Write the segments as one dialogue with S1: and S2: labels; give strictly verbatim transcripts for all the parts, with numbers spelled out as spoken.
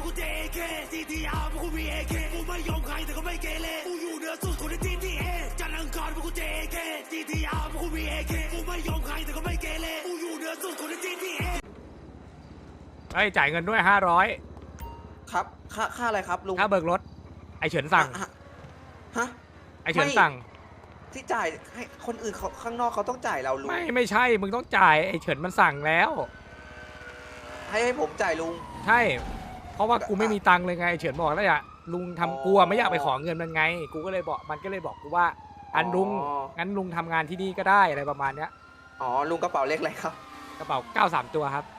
S1: กูเจเคซีทีอาร์พวกกูมีเอเคกูไม่ยอมใครแต่ก็ไม่เกเรกูอยู่เหนือสุดคนในทีทีเอจันทร์อังคารพวกกูเจเคซีทีอาร์พวกกูมีเอเคกูไม่ยอมใครแต่ก็ไม่เกเรกูอยู่เหนือสุดคนในทีทีเอ
S2: ไอ้จ่ายเงินด้วยห้าร้อย
S3: ครับค่าค่าอะไรครับลุง
S2: ค่าเบิกรถไอ้เฉินสั่ง
S3: ฮะฮะ
S2: ไอ้เฉินสั่ง
S3: ที่จ่ายให้คนอื่นเขาข้างนอกเขาต้องจ่ายเราลุง
S2: ไม่ไม่ใช่มึงต้องจ่ายไอ้เฉินมันสั่งแล้ว
S3: ให้ให้ผมจ่ายลุง
S2: ใช่ เพราะว่ากูไม่มีตังค์เลยไงไอ้เฉินบอกแล้วอย่าลุงทำกูอะไม่อยากไปขอเงินมันไง กูก็เลยบอกมันก็เลยบอกกูว่าอันลุงงั้นลุงทำงานที่นี่ก็ได้อะไรประมาณเนี้ย
S3: อ๋อลุงกระเป๋าเล็กอะไรครับ
S2: กระเป๋าเก้าสามตัวครับ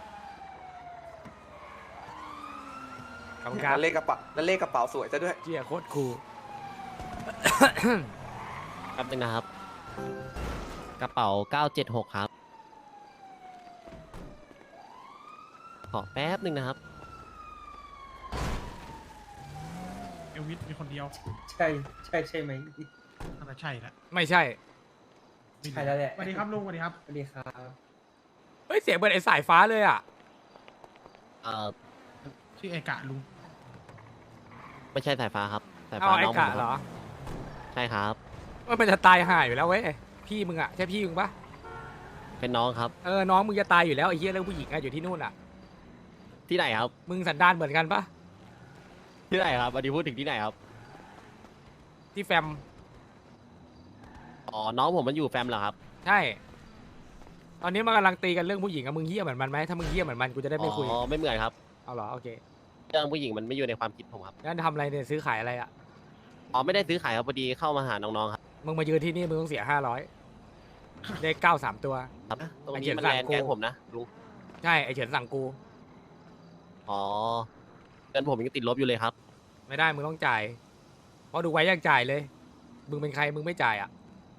S2: ขอบคุณครับ
S3: แล้วเลขกระเป๋าแล้วเลขกระเป๋าสวยซะด้วย
S2: เจี๊ยโคตรคูล
S4: แป๊บนึงนะครับ กระเป๋าเก้าเจ็ดหกครับ ขอแป๊บนึงนะครับ
S5: เอลวิสมีคนเดียว
S6: ใช่ใช่ใช่ไหม
S5: น่าจะใช่ละ
S2: ไม่ใช่
S6: ใช่แล้วแหละ
S5: สวัสดีครับลุงสวัสดีครับ
S6: สวัสดีครับ
S2: เฮ้ยเสียงเหมือนไอ้สายฟ้าเลยอ่ะ
S4: เอ่อ
S5: ชื่อเอกะลุง
S4: ไม่ใช่สายฟ้าครับ สาย
S2: เอา
S4: ฟ้า
S2: ไอ้
S4: น้องผ
S2: กะ
S4: มค
S2: เหร
S4: รับ
S2: อ
S4: ใช่ครับ
S2: ว่ามันจะตายห่าอยู่แล้วเว้ยพี่มึงอ่ะใช่พี่มึงปะ
S4: เป็นน้องครับ
S2: เออน้องมึงจะตายอยู่แล้วไอ้เหี้ยเรื่องผู้หญิงอะอยู่ที่นู่นอ่ะ
S4: ที่ไหนครับ
S2: มึงสันดานเหมือนกันปะ
S4: ที่ไหนครับอันนี้พูดถึงที่ไหนครับ
S2: ที่แฟม
S4: อ๋อ น้องผมมันอยู่แฟมเหรอครับ
S2: ใช่ ตอนนี้มันกำลังตีกันเรื่องผู้หญิงอะมึงเหี้ยเหมือนมันไหมถ้ามึงเหี้ยเหมือนมันกูจะได้ไม่คุย
S4: อ๋อ ไม่เหมือนครับ
S2: เอาเหรอโอเค
S4: เรื่องผู้หญิงมันไม่อยู่ในความคิดผมครับ
S2: งั้นทำอะไรเนี่ยซื้อขายอะไรอ่ะ
S4: อ๋อ ไม่ได้ซื้อขายครับพอดีเข้ามาหาน้องๆครับ
S2: มึงมายืนที่นี่มึงต้องเสียห้าร้อยเลขเก้าสามตัว
S4: ครับ ตรง
S2: ไอ้
S4: นี้
S2: เขียน
S4: มัน
S2: สั่
S4: แล
S2: ง
S4: น
S2: กู
S4: แก๊งผมนะลุง
S2: ใช่ไอเฉินสั่งกู
S4: อ๋อเงินผมยังติดลบอยู่เลยครับ
S2: ไม่ได้มึงต้องจ่ายเพราะดูไว้ยังจ่ายเลย มึงเป็นใครมึงไม่จ่ายอ่ะ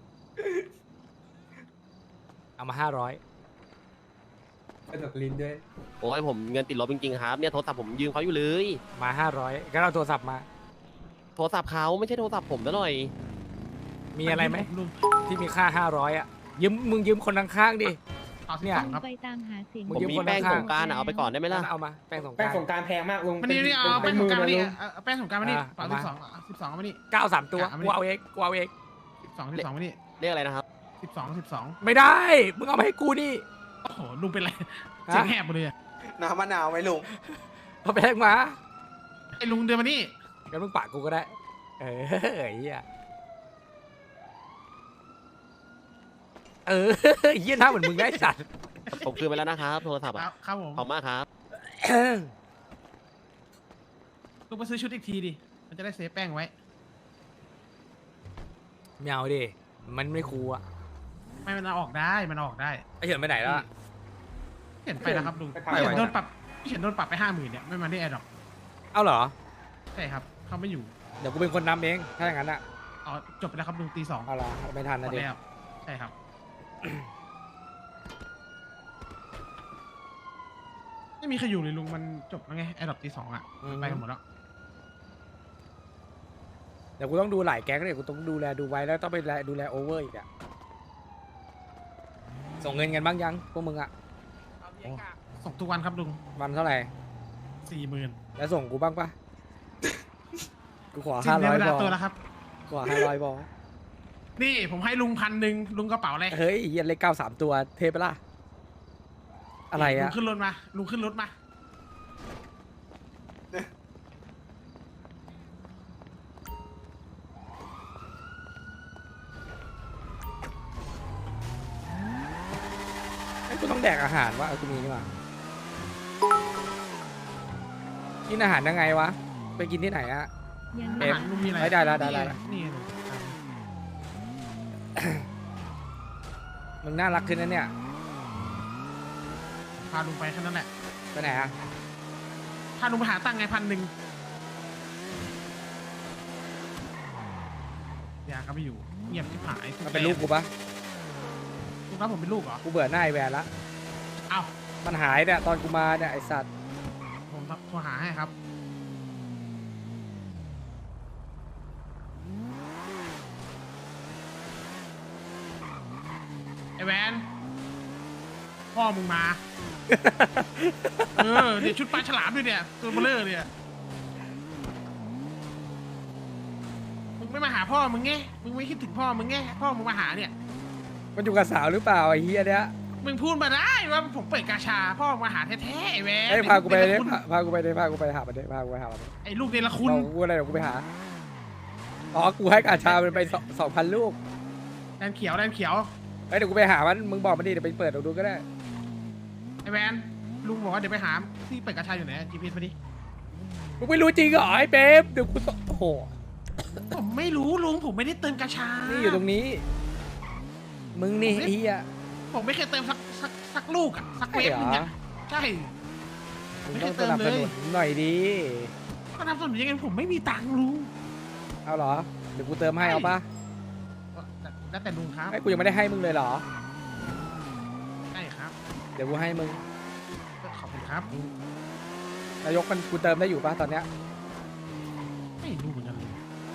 S2: เอามาห้าร้อย
S6: กระดกลิ้นด้วย
S4: โอ้ยผมเงินติดลบจริงๆครับ เนี่ยโทรศัพท์ผมยืมเขาอยู่เลย
S2: มาห้าร้อยก็เอาโทรศัพท์มา
S4: โทรศัพท์เขาไม่ใช่โทรศัพท์ผมซะหน่อย
S2: มีอะไรไหม
S5: ลุง
S2: ที่มีค่าห้าร้อยอ่ะยืมมึงยืมคนข้างๆดิ
S5: เอาสิ
S2: เนี่ย
S5: บสองครับ
S7: ไปตามหาเสียง
S2: มึ
S4: ผม
S2: ยืม
S4: มี
S2: คน
S4: แป้ง
S2: ข้างๆ
S4: สงกรารเอาไปก่อนได้ไหมล่ะ
S2: เอามาแป้งสงก
S6: แป้ง
S2: ราร
S6: สงกรารแพงมากลุง
S5: มันนี่นี่เอา
S6: เป็
S5: แป้ง
S6: น
S5: ส
S6: มื
S5: ง
S6: อก
S5: รารมานี่
S6: นะลุง
S5: เอาแป้งสงกรารมานี่
S2: อ่า
S5: เปล่า
S2: เอา
S5: สิ
S2: มา
S5: บสองสิบสองมานี่
S2: เก้าสามตัว
S5: อ่ะเอามานี่
S2: กูเอาเองกูเอาเอง
S5: สิบสองสิบสองมานี่
S4: เรียกอะไรนะครับ
S5: สิบสองสิบสอง
S2: ไม่ได้ มึงเอามาให้กูนี่
S5: โอ้โหลุงเป็นไร
S2: ฮะ
S5: เสียงแหบหมดเลยอะ
S3: น้ำมะนาวไหมลุง
S2: เอาแป้งมา
S5: ไอ้ลุงเดินมานี่
S2: งั้นมึงปากกูก็ได้ เออไอ้เหี้ยเออเหี้ยหน้าเหมือนมึงได้สัตว์
S4: ผมคืนไปแล้วนะครับโทรศัพท์
S5: ค
S4: อะ
S5: รับครับผม
S4: ขอบมากครับ
S5: ลุงไปซื้อชุดอีกทีดิมันจะได้เซฟแป้งไว้
S2: ไม่เอาดิ มันไม่คูลอ่ะ
S5: ไม่มันเอาออกได้มันเอาออกได้
S2: ไอเฉินไปไหนแล้วอะ
S5: เห็นไปแล้วครับลุง
S6: ไปทำ
S5: พี่เห็น
S6: อะไร
S5: โดนปรับพี่เห็นโดนปรับไปห้าหมื่นเนี่ยไม่มาที่แอร์ดรอป
S2: เอาเหรอ
S5: ใช่ครับเขาไม่อยู่
S2: เดี๋ยวกูเป็นคนนำเอง ถ้าอย่างนั้นอ่ะ
S5: อ๋อจบไปแล้วครับลุงตีสอง
S2: เอาละไม่ทัน
S5: หม
S2: นะ
S5: ด
S2: ดิ
S5: แล้วใช่ครับ ไม่มีใครอยู่เลยลุงมันจบแล้วไงแอร์ดรอปตีสองอ่ะมันไปกันหมดแล้ว
S2: เดี๋ยวกูต้องดูหลายแก๊งเลยกูต้องดูแลดูไว้แล้วต้องไปดูแลโอเวอร์อีกอ่ะ ส่งเงินกันบ้างยังพวกมึงอ่ะ
S5: ส่งทุกวันครับลุง
S2: วันเท่าไหร่
S5: สี่หมื่น
S2: แล้วส่งกูบ้างปะกูขอ
S5: สิ้
S2: ห้าน
S5: เดื
S2: ร้
S5: อ
S2: อน ย
S5: เว
S2: บ
S5: ลา
S2: อ
S5: ตัวแล้วครับ
S2: ขอห้าร้อยบอ
S5: นี่ผมให้ลุงพันหนึ่งลุงกระเป๋าเลย
S2: เฮ้ยเหี้ยเลขเก้าสามตัวเทปะล่ะ อะไร
S5: ลุ
S2: อ่ะ
S5: งขึ้นรถมาลุงขึ้นรถมา
S2: ไอ้ยกูต้องแดกอาหารวะเอากูมีนี่มากินอาหารยังไงวะ ไปกินที่ไหนอะ
S7: ยัง
S2: เอ็
S5: อาม หารลุงมีอะไร
S2: ไม่ได้แล้วได้แล้ว
S5: นี่ลุง
S2: มึงน่ารักขึ้นนะเนี่ย
S5: พาลุงไปแค่นั้นแหละ
S2: ไปไหนอะ
S5: พาลุงไปหาตังค์ไงพันหนึ่งยาก็ไม่อยู่เงียบที่หาย
S2: มันเป็นลูกกูปะ
S5: ลุงรับผมเป็นลูกเหรอ
S2: กูเบื่อหน้าไอแวนละ
S5: เอ้า
S2: มันหายเนี่ยตอนกูมาเนี่ยไอสัตว์
S5: ผมโทรหาให้ครับไอแวนพ่อมึงมา เออเดี๋ยวชุดปลาฉลามด้วยเนี่ยตัวเบลเลอร์เนี่ยไม่มาหาพ่อมึงไงมึงไม่คิดถึงพ่อมึงไงพ่อมึงมาหาเนี่ย
S2: มันอยู่กับสาวหรือเปล่าไอ้เฮียเนี้ย
S5: มึงพูดมาได้ว่าผมเปิดกาชาพ่อมึงมาหาแท้ๆไอ้แวน
S2: เอ้ยพากูไป
S5: ไอ้
S2: เลย
S5: ลู
S2: พาพากูไปเลยพากูไปหามันเลยพากูไปหามัน
S5: ไอ้ลูกเนรคุณ
S2: เรากูอะไรเดี๋ยวกูไปหาอ๋อกูให้กาชามันไปสองพันลูก
S5: แดนเขียวแดนเขียว
S2: เอ้ยเดี๋ยวกูไปหามันมึงบอกมันดิเดี๋ยวไปเปิดดูก็ได้
S5: ไอ้แวนลุงบอกว่าเดี๋ยวไปหาที่เปิดกาชาอยู่ไหนจีพีเอสมาดิ
S2: มึงไม่รู้จริงเหรอไอ้เป๊ปเดี๋ยวกูตโอ้โห
S5: ผมไม่รู้ลุงผมไม่ได้เติมกาชา
S2: นี่อยู่ตรงนี้ มึงนี่ไอ้เฮีย
S5: ผมไม่เคยเติมสักสักสักลูกอะสักเวฟ
S2: ใช่เหรอ
S5: นึงอะใช่
S2: มึง
S5: ไม่
S2: ต้
S5: เค
S2: อง
S5: ย
S2: ส
S5: เติม
S2: นับ
S5: เล
S2: ส
S5: ย
S2: นุนหน่อยดี
S5: ก็ทำสนุนยังไงผมไม่มีตังค์ลุง
S2: เอาเหรอเดี๋ยวกูเติมให้เอาปะ
S5: แต่แล้วแต่ลุงครับ
S2: ไอ้กูยังไม่ได้ให้มึงเลยเหรอ
S5: ใช่ครับ
S2: เดี๋ยวกูให้มึง
S5: ขอบคุณครับ
S2: นายกมันกูเติมได้อยู่ปะตอนเนี้ย
S5: ไม่รู้เหมือนกันลุง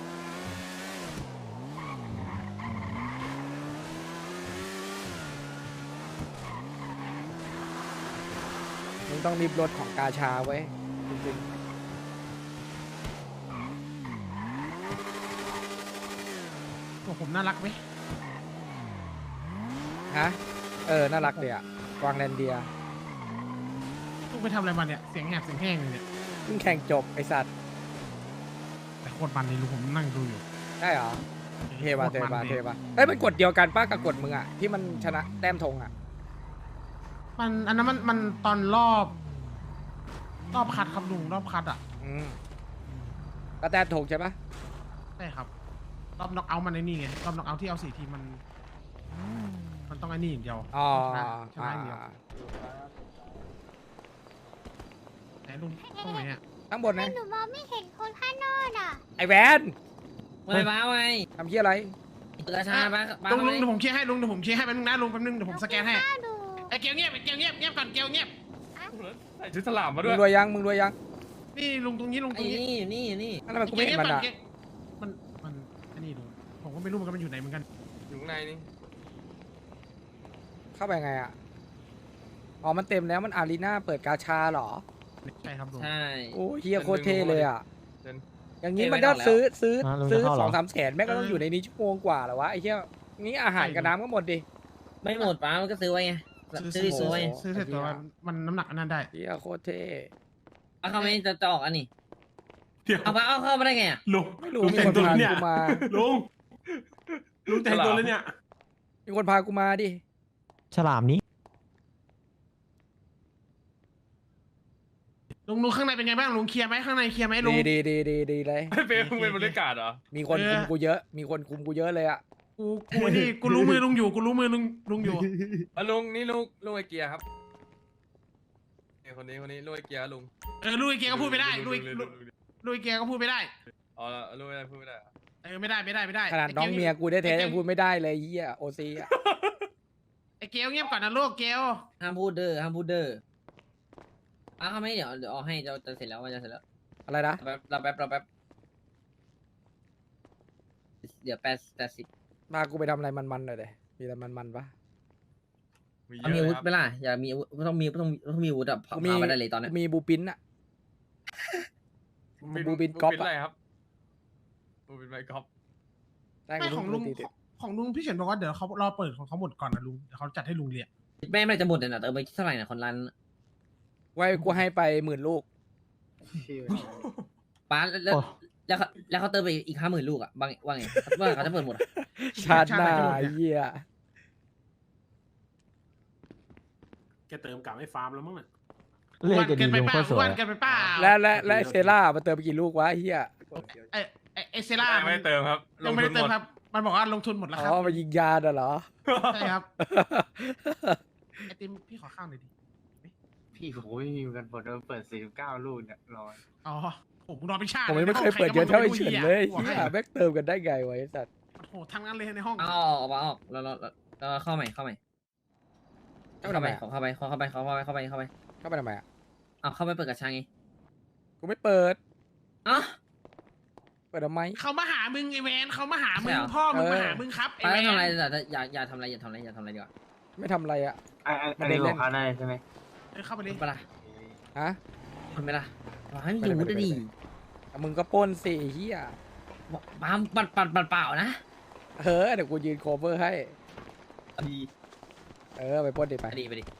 S2: มึงต้องรีบรถของกาชาไว้จริง
S5: ตัวผมน่ารักไหม
S2: ๆฮะเออน่ารักเลยอะกวางแลนเดีย
S5: ลุงไปทำอะไรมาเนี่ยเสียงแหบเสียงแห้งเลยเนี่ย
S2: เพิ่งแข่งจบไอสัตว์
S5: แต่โคตรมันเลยลุงผมนั่งดูอยู่
S2: ได้เหรอเทปะเทปะ
S5: โคตรมัน
S2: เท
S5: เลย
S2: ปะเอ้ยมันกดเดียวกันป้ากับกดมึงอะที่มันชนะแต้มธงอะ
S5: มันอันนั้นมันมันตอนรอบ รอบคัดครับลุงรอบคัดอ่ะ
S2: อืมก็แต้มธงใช่ปะ
S5: ใช่ครับ รอบน็อกเอาท์มันไอ้นี่ไงรอบน็อกเอาท์ที่เอาสี่ทีมมัน มันต้องไอ้นี่อย่างเดียว
S2: อ๋อ
S5: ชนะชนะอย่างเดียว
S2: อ่า
S5: ไหนลุงตรงไหนอ่ะ
S2: ข้างบนนะ
S7: หนูมองไม่เห็นคนข้างนอกอ่ะ
S2: ไอแวน
S4: ไม่บ้าไง
S2: ทำเหี้ยอะไร
S4: เปิดกระชาบ้าบ้า
S5: ลุงลุง
S4: ไหม
S5: เดี๋ยวผมเคลียร์ให้ลุงเดี๋ยวผมเคลียร์ให้แป๊บนึงนะลุงแป๊บนึงเดี๋ยวผมสแกนให้
S7: น่าดู
S5: ไอ้เกลเงียบไอ้เกลเงียบเงียบก่อนเกลเงียบ
S6: ใส่ชุดสลามมา
S2: มึ
S6: ด้วย
S2: งรวยยังมึงรวยยัง
S5: นี่ลุงตรงนี้ลุงต
S4: ไอ้
S5: รงนี้
S4: นี่อยู่นี่อยู่นี่
S2: นั่นทำไมกูไม่เห็นมันอะ
S5: เกลมันมันอันนี้ลุงผมก็ไม่รู้เหมือนกันมันอยู่ไหนเหมือนกัน
S6: อยู่ข้างในนี่
S2: เข้าไปไงอะอ๋อมันเต็มแล้วมันอารีนาเปิดกาชาเหรอ
S5: ใช่ครับลุง
S4: ใช่
S2: โอ้เฮียโคตรเท่เลยอะ
S6: เดิน
S2: อย่างนี้
S4: เท่
S2: มัน
S4: ไม่
S2: ก็
S4: ออกแล้ว
S2: ซื้อซื้อ
S8: อ่ะลุง
S2: ซื้อ
S8: จะเข้าเหรอ
S2: สองสามแสนแม่งก็ต้องอยู่ในนี้ชั่วโมงกว่าเหรอวะไอ้เหี้ยนี่อาหารกับน้ำก็หมดดิ
S4: ไม่หมดป้ามันก็ซื้อไว้ไงซื้อซื้อไว้
S5: ซื้อเสร็จตัวมันมันน้ำหนักอันนั้นได้
S2: เฮียโคตรเท่
S4: เอาเข้าไม่จะจะออกอันนี้
S9: เดี๋ยว
S4: เอาป้าเอาเข้ามาได้ไงอ่ะ
S9: ลุง
S2: ไม่รู้
S9: ลุง
S2: มี
S9: แต่
S2: ค
S9: ง
S2: น
S9: ตัว
S2: พา
S9: แล้วเนี่ย
S2: กูมา
S9: ลุงลุงแต่งตัวแล้วเนี่ย
S2: มีคนพากูมาดิ
S8: ฉลามนี้
S5: ลุงลุงข้างในเป็นไงบ้างลุงเคลียร์ไหมข้างในเคลียร์ไหมลุง
S2: ดีดีดีดีดีเลย
S6: เป๊ะมึงเป็นบริการเหรอ
S2: มีคน
S5: เออ
S2: คุมกูเยอะ มีคนคุมกูเยอะเลยอะ
S5: กูกูนี่กูรู้มือลุงอยู่กูรู้มือลุงลุงอยู่
S6: อ่ะลุงนี่ลูกลูกไอเกียร์ครับเนี่ยคนนี้คนนี้ลูกไอเกียร์ลุง
S5: เออลุยเกียร์ก็พูดไม่ได้ลุย
S6: ลุง
S5: ลุยเกียร์ก็พูดไม่ได้
S6: อ๋อลูกไม่ได้พูดไม่ได้เหรอ
S5: เออไม่ได้ไม่ได้ไม่ได้
S2: ขนาดน้องเมียกูได้แท้ๆยังพูดไม่ได้เลยเฮียโอซีอะ
S5: ไอ้เกลเงียบก่อนนะลูกเกล
S4: ห้ามพูดเด้อห้ามพูดเด้อเอาเข้าไม่เดี๋ยวเดี๋ยวเอาให้จะจะเสร็จแล้วมันจะเสร็จแล้ว
S2: อะไรนะ
S4: แป๊บเราแป๊บเราแป๊บเดี๋ยวแปดแปดสิบ
S2: พากูไปทำอะไรมันๆหน่อยเลยมีอะไรมันๆปะ
S6: มีเย
S4: เอามีอาวุธ
S6: อะ
S4: ไหมล่ะอย่ามีอาวุธต้องมีต้องมีต้องมีอาวุธอะพา
S2: กูมี
S4: พาไปได้เลยตอนเนี้ย
S2: มีบูปินอะ
S6: ครับ
S2: บูบินก๊อป
S6: บูบินอะไรครับบูบินไมค์ก๊อป
S2: ได้
S5: ไม่
S2: กู
S5: ของลุง
S2: ตีติด
S5: ของลุงพี่เฉินบอกว่าเดี๋ยวเขารอเปิดของเขาหมดก่อนนะลุงเดี๋ยวเขาจัดให้ลุงเรียน
S4: แม่ไม่จะหมดเลยนะเติมไปเท่าไหร่นะคนร้าน
S2: ไว้กูให้ไปหมื่นลูก
S4: ป้าแล้ว
S8: โอ้
S4: แล้วเขาแล้วเขาเติมไปอีกห้าหมื่นลูกอะบางว่าไงว่าเขาจะเปิดหมดอะ
S2: ชาติหน้าเหี้ย
S9: แกเติมกลับให้ฟาร์มแล้วมั้งเนี่ย
S8: เลขจะดี
S5: เกินไป
S8: ลุง
S5: เป
S8: โค
S5: ล่า
S8: ตรสวย
S5: อ้วนเกินไปเปล่า
S2: และและและเซล่ามันเติมไปกี่ลูกวะเหี้ย
S5: ไอ้ไอ้ไอ้เซล่า
S6: ไม่ได้เติมครับล
S5: ยัง
S6: ง
S5: ไม่
S6: ทุ
S5: ได้
S6: นห มด
S5: เติมครับ มันบอกว่าลงทุนหมดแล้ว
S2: อ๋
S5: ครับ
S2: อมายิงยาน่ะเหรอ
S5: ใช่ครับไอติมพี่ขอข้าวหน่อยดิ
S10: พี่ผมไม่มีกันเปิดเปิดสี่สิบเก้าลูกเนี่ยรอ
S5: อ๋อผมรอพิชาติ
S2: ผมยังไม่เคยเปิดเยอะเท่าไอ้เฉินเลยเหี้ยแม่งเติมกันได้ไงวะไอ้สัตว์
S5: โอ้โหทำงานเลยในห้อง
S4: เอาออกเอาออกแล้วแล้วแล้วเข้าใหม่เข้าใหม่
S2: เข้า
S4: เข้า
S2: ไป
S4: ไป
S2: ทำไมอะ
S4: เข้าไปเข้าไปเข้าไปเข้าไปเข้าไป
S2: เข้าไปทำไมอะ
S4: เอาเข้าไปเปิดกระชังไง
S2: กูไม่เปิด
S4: อ่ะ
S2: เปิดทำไม
S5: เขามาหามึงไอแวนเขามาหามึ
S4: ใช่
S5: ง
S4: เหรอ
S5: พ่อมึง
S2: เออ
S5: มาหามึงครับไอ
S4: ป้า
S5: แว
S4: ทำอะไร
S5: น
S4: แต่อย่าอย่าทำอะไรอย่าทำอะไรอย่าทำอะไรดีกว่า
S2: ไม่ทำอะไรอะ
S10: ไอ้ไอ้เรื่องของเขาได้ใช่ไหม
S5: เออเข้าไปเลย
S4: เปล่า
S2: ฮะ
S4: ทำไมล่ะให้มีอาวุธดี
S2: อ่ะมึงก็ปล้นสิไอ้เหี้ย
S10: ปามปัดปัดปัดเปล่านะ
S2: เออเดี๋ยวกูยืนโคเวอร์ให้
S10: ดี
S2: เออไปปล้นดิไป
S10: ไปดีไปดี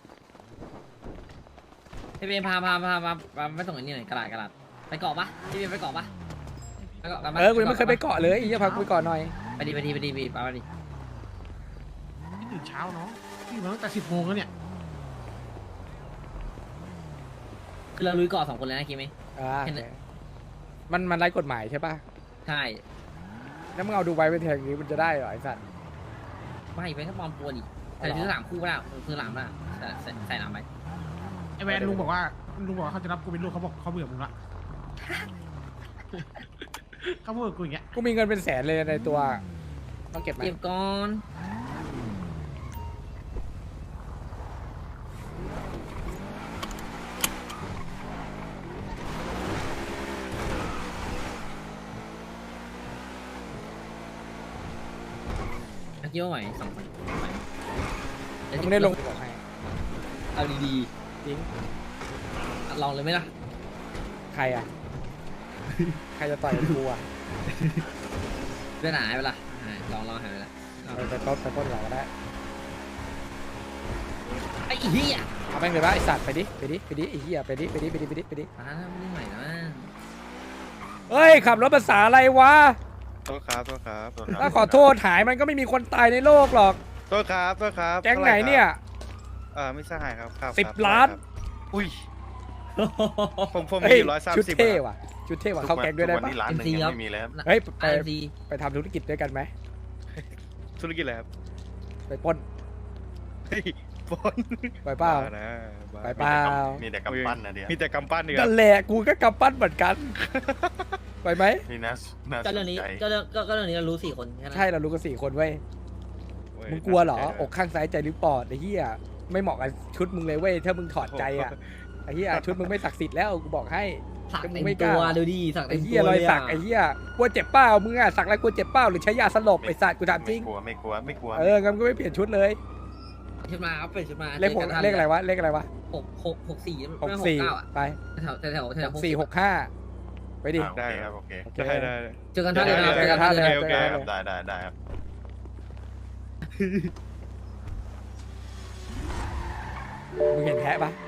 S10: พี่เบนพาพาพาพาพาไปส่งอันนี้หน่อยกระดาษกระดาษไปเกาะปะพี่เบนไปเกาะปะไปเกาะกันปะ
S2: เออกูยังไม่เคยไปเกาะเลยอีกจะพากูไปเกาะหน่อย
S10: ไปดีไปดีไปดีไปดีไปดี
S5: พี่ตื่นเช้าเนาะพี่มาตั้งแต่สิบโมงแล้วเนี่ย
S10: คือเราลุยเกาะสองคนเลยนะคิดไหม
S2: อ่า
S10: เห็นเลย
S2: มันมันไร้กฎหมายใช่ป่ะ
S10: ใช่
S2: แล้วมึงเอาดูไว้เป็นแทงนี้มันจะได้เหรอไอ้สัตว์
S10: ไม่ไปแค่ปลอมตัวดิ
S2: อ๋อ
S10: แต่
S2: เหรอ
S10: ซื้อสามคู่ไม่ได้ซื้อสามไม่ได้แต่ใส่ใส่หนามไป
S5: ไอแวนลุงบอกว่าลุงบอกว่าเขาจะรับกูเป็นลูกเขาบอกเขาเบื่อมึงละ เขาพูดกับกูอย่างเงี้ย
S2: กูมีเงินเป็นแสนเลยในตัวต้องเก็บไหม
S10: เก็บก่อนเกี่ยวไหวสองคนไหว
S2: มึงได้ลงบอกให้
S10: เอาดี
S2: จริง
S10: ๆลองเลยไหมล่ะ
S2: ใครอ่ะ ใครจะต่อยกับกูอ่ะ
S10: เรื่องหายไปละหายลองลองหายไปละลอง
S2: ไปไปต้นไปต้นเราก็ได้
S10: ไอ้เหี้ย
S2: เอาแม่งเลยปะไอสัตว์ไปดิไปดิไปดิไอ้เหี้ยไปดิไปดิไปดิไปดิไปดิ
S10: อ่าไม่ได้ใหม่นะ
S2: เฮ้ยขับรถภาษาอะไรวะ
S11: โทษครับโทษครับโทษครับ
S2: ถ้าขอโทษหายมันก็ไม่มีคนตายในโลกหรอก
S11: โทษครับโทษครับ
S2: แก๊งไหนเนี่ย
S11: เออไม่ใช่ครับครับ
S2: สิบ
S11: ครับ
S2: ล้าน
S11: ครับอุ้ยผมผม
S2: เฮ้
S11: มี
S2: ย
S11: อยู่ร้อยสาม
S2: ชุด
S11: สิบ
S2: เท่ว่ะชุดเท่ว่ะเข้าแก๊งด้วยได้
S11: ทุก
S2: ปะ
S11: วันนี้ร้านหนึ่งยังไม่มีเลยครับ
S2: เฮ้ยไป
S10: ไอซี
S2: ไปทำธุรกิจด้วยกันไหม
S11: ธุรกิจอะไรครับ
S2: ไปปล้น
S11: เฮ้ยปน
S2: ไปเปล่า
S11: บ้นะบ้
S2: ไปเปล่า
S11: มีแต่กำปั้นนะเดียวมีแต่กำปั้นเดียว
S2: นั่นแหละกูก็กำปั้นเหมือนกัน ไปไหม
S11: นี่นะน่า
S10: ก็
S11: ส
S10: เรื่อง
S11: น
S10: นี้
S11: ใจ
S10: ก็เรื่องก็ก็เรื่องนี้เรารู้สี่คนแค่นั้น
S2: ใช่เรารู้กันสี่คนเว้ย
S11: เว้ย
S2: มึงกลัวเหรอ
S11: น่าสนใจ
S2: อกข้างซ้ายใจหรือปอดไอ้เหี้ยไม่เหมาะกับชุดมึงเลยเว้ยถ้ามึงถอดใจอ่ะไอ้เหี้ยชุดมึงไม่ศักดิ์สิทธิ์แล้วกูบอกให้
S10: สัก
S2: ก็มึ
S10: เต็
S2: ง
S10: ม
S2: ไม่ก
S10: ตั
S2: ล้า
S10: วดูดิสักเต็
S2: ไอ้
S10: ม
S2: เหี้
S10: ตั
S2: ยว รอย
S10: เลย
S2: สักไอ้เหี้ยกลัวเจ็บเป้ามึงอะสักแล้วกลัวเจ็บเป้าหรือใช้ยาสลบไอ้สัตว์กูถามจริง
S11: ไม่กลัวไม่กลัวไม่กลัว
S2: เอองั้นก็ไม่เปลี่ยนชุดเลย
S10: ชุดมาครับเป็นชุดมา
S2: เลขหกเลขอะไรวะเลขอะไรวะ
S10: หกหกหกสี่
S2: หกสี่
S10: เก้าอ่ะ
S2: ไป
S10: แถวแถวแถว
S2: ห
S10: แถว
S2: กสี่หกห้าไปดิ
S11: อ่าได้ครับโอเค
S2: โอเค
S11: ได้ได้
S10: เจอกันท่าเรือ
S2: เจอกันท่าเรือ
S11: โอเค
S2: เจอกันท่าเรือ
S11: ครับได้ได้ได้ครับ
S2: มึงเห็นแพะปะ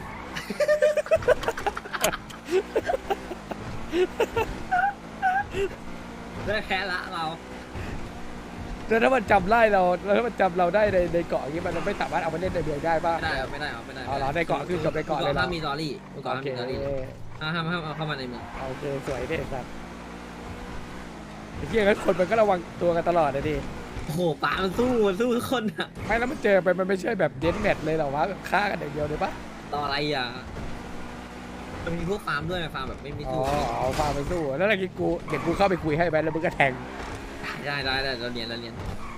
S10: เรื่องแค่ละเรา
S2: แล้วถ้ามันจำไล่เราแล้วถ้ามันจำเราได้ในในเกาะอย่างงี้มันไม่สามารถเอามาเล่นในเมืองได้ป่ะ
S10: ไม่ได้เอาไม่ได้เอาไม่ได้
S2: เอาเหรอในเกาะคือจบในเกาะเลยเหรอ
S10: ห้ามมีตอรี่เกาะ
S2: โอ
S10: ห้าม
S2: เค
S10: มีตอรี่ห้ามห้ามห้ามเอาเข้ามาในเมือง
S2: โอเคสวยเด็ดสัตว์ไอ้เหี้ยงั้นคนมันก็ระวังตัวกันตลอดเลยดิ
S10: โอ้โหป่ามันสู้มันสู้ทุกคนอ่ะ
S2: ไม่แล้วมันเจอไปมันไม่ใช่แบบเดนแมทเลยเหรอวะแบบฆ่ากันอย่างเดียวเลยปะ
S10: ต่ออะไรอ่ะมันมีพวกฟาร์มด้วยฟาร์มแบบไม่มี
S2: อ๋อ
S10: สู้
S2: เอาพาไปสู้แล้วเมื่อกี้กูเห็นกูเข้าไปคุยให้ไปแล้วมึงก็แทง
S10: ได้ได้ได้เราเรียนเราเรียน